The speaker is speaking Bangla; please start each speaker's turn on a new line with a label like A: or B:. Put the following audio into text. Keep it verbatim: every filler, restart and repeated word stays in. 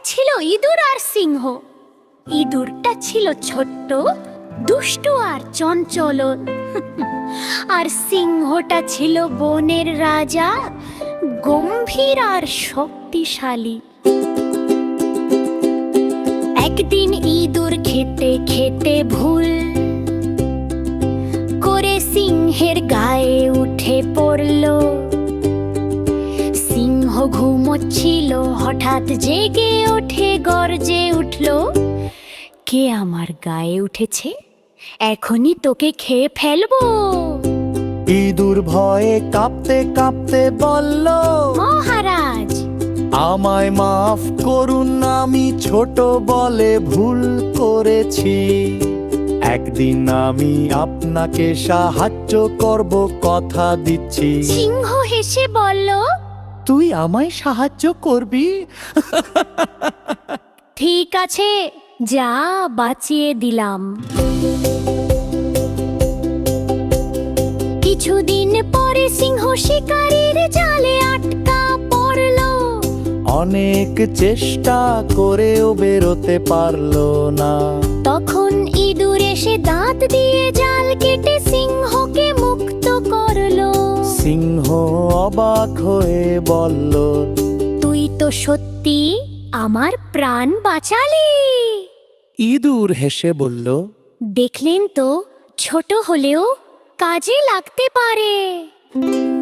A: ছিল ইঁদুর আর সিংহ। ইঁদুরটা ছিল ছোট্ট, দুষ্টু আর চঞ্চল, আর সিংহটা ছিল বনের রাজা, গম্ভীর আর শক্তিশালী। একদিন ইঁদুর খেতে খেতে ভুল করে সিংহের গায়ে উঠে পড়ল। সিংহ ঘুমোচ্ছিল, হঠাৎ জেগে ওঠে, গর্জে উঠল, কে আমার গায়ে উঠেছে? এখনই তোকে খেয়ে ফেলবো।
B: ইঁদুর ভয়ে কাঁপতে কাঁপতে বলল,
A: মহারাজ,
B: আমায় মাফ করুন, আমি ছোট বলে ভুল করেছি। একদিন আমি আপনাকে সাহায্য করব, কথা দিচ্ছি।
A: সিংহ হেসে বলল,
B: তুই আমায় সাহায্য করবি?
A: ঠিক আছে, যা, বাঁচিয়ে দিলাম। কিছুদিন পরে সিংহ শিকারীর জালে আটকা পড়ল।
B: অনেক চেষ্টা করেও বেরোতে পারলো না।
A: তখন ইঁদুর এসে দাঁত দিয়ে জাল কেটে সিংহকে মুক্ত করলো।
B: সিংহ অবাক হয়ে বলল,
A: তুই তো সত্যি আমার প্রাণ বাঁচালি।
B: ইঁদুর হেসে বলল,
A: দেখলেন তো, ছোট হলেও কাজে লাগতে পারে।